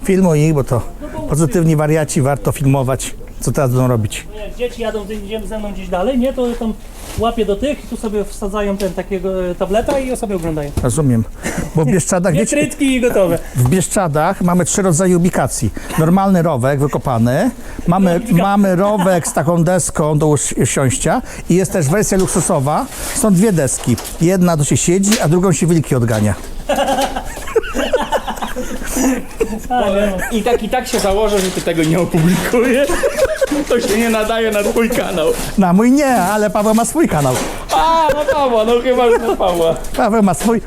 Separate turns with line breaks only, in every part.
Filmuj ich, bo to pozytywni wariaci, warto filmować, co teraz będą robić.
Jak dzieci jadą ze mną gdzieś dalej, nie, to tam łapię do tych i tu sobie wsadzają takiego tableta i sobie oglądają.
Rozumiem. Bo w Bieszczadach,
Nie
wiecie,
trytki i gotowe.
w Bieszczadach mamy 3 rodzaje ubikacji. Normalny rowek wykopany, mamy rowek z taką deską do usiąścia i jest też wersja luksusowa. Są 2 deski. Jedna to się siedzi, a drugą się wilki odgania.
I tak się założę, że ty tego nie opublikujesz. To się nie nadaje na twój kanał.
Na mój nie, ale Paweł ma swój kanał.
A, no Pawła, no chyba już na Pawła.
Paweł ma swój.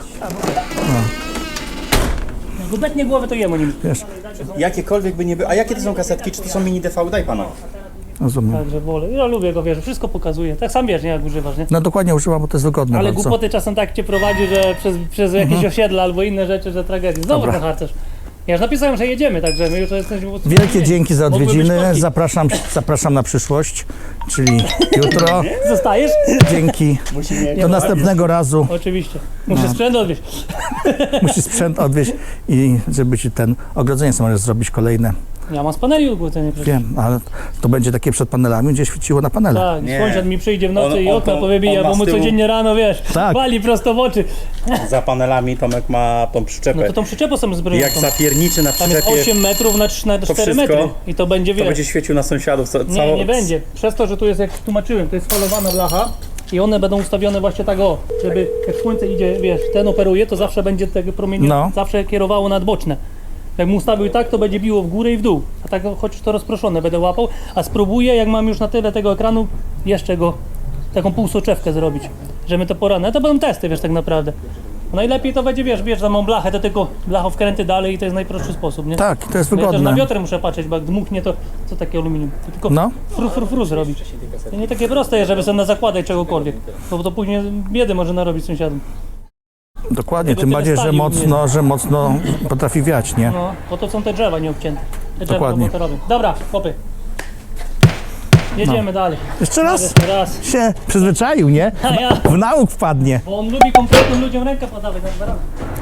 Gubetnie głowy to jemu nim.
Wiesz,
Jakiekolwiek by nie było. A jakie to są kasetki? Czy to są mini DV? Daj pana.
rozumiem.
Także wolę. Ja lubię go, wiesz, wszystko pokazuje. Tak sam wiesz, nie, jak używasz, nie?
No dokładnie używam, bo to jest wygodne
Ale
bardzo.
głupoty czasem tak cię prowadzi, że przez jakieś osiedla albo inne rzeczy, że tragedii. Znowu
Dobra.
ten harcerz. Ja już napisałem, że jedziemy, także my już jesteśmy...
Wielkie dzięki za
Mogły być
odwiedziny.
korki.
Zapraszam na przyszłość, czyli jutro.
Zostajesz?
Dzięki. Do następnego razu.
Oczywiście. Muszę sprzęt odwieźć.
Musisz sprzęt odwieźć i żeby ci ten ogrodzenie sobie możesz zrobić kolejne.
Ja mam z paneli ogłodzenie przecież.
Wiem, ale to będzie takie przed panelami, gdzie świeciło na panele.
Tak,
Nie.
sąsiad mi przyjdzie w nocy
On-
i
on
okna
to-
powybija,
on ma
bo mu
z tyłu-
codziennie rano, wiesz,
Tak.
wali prosto w oczy.
Za panelami Tomek ma tą przyczepę.
No to tą przyczepą sobie zbroję.
Jak zapierniczy na
Tam jest
przyczepie,
8 metrów na 4
wszystko,
metry. I to będzie,
to
wiesz,
będzie świecił na sąsiadów.
nie będzie. Przez to, że tu jest, jak tłumaczyłem, to jest falowana blacha i one będą ustawione właśnie tak o, żeby jak słońce idzie, wiesz, ten operuje, to zawsze będzie tego promienie,
No.
zawsze kierowało nadboczne. Jak mu ustawił tak, to będzie biło w górę i w dół. A tak choć to rozproszone będę łapał, a spróbuję, jak mam już na tyle tego ekranu, jeszcze go, taką półsoczewkę zrobić, że my to poranne. To będą testy, wiesz, tak naprawdę. Najlepiej to będzie, wiesz, za mą blachę, to tylko blachą wkręty dalej i to jest najprostszy sposób, nie?
Tak, to jest
Ja też na
wygodne.
wiotr muszę patrzeć, bo jak dmuchnie, to co takie aluminium? To tylko
No.
fru zrobić. To nie takie proste jest, żeby sobie zakładać czegokolwiek, bo to później biedy może narobić sąsiadom.
Dokładnie,
Tego
tym
tyle
bardziej,
stali
że mocno potrafi wiać, nie?
No, po to są te drzewa nieobcięte. Te drzewa
Dokładnie.
to robią. Dobra, chłopy. Jedziemy dalej.
Jeszcze raz
Jeszcze raz.
się przyzwyczaił, nie?
A ja,
W nauk wpadnie.
bo on lubi konkretnym ludziom rękę podawać na dwa.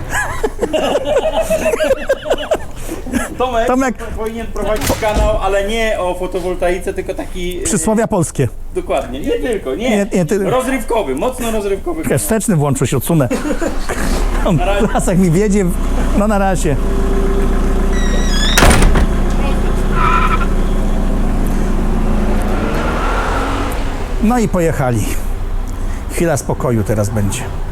Tomek powinien prowadzić kanał, ale nie o fotowoltaice, tylko taki...
Przysłowia polskie.
Dokładnie, nie tylko, nie.
Nie, ty-
Rozrywkowy, mocno rozrywkowy.
Wsteczny włączył się, odsunę. Lasek mi wiedzie. No na razie. No i pojechali. Chwila spokoju teraz będzie.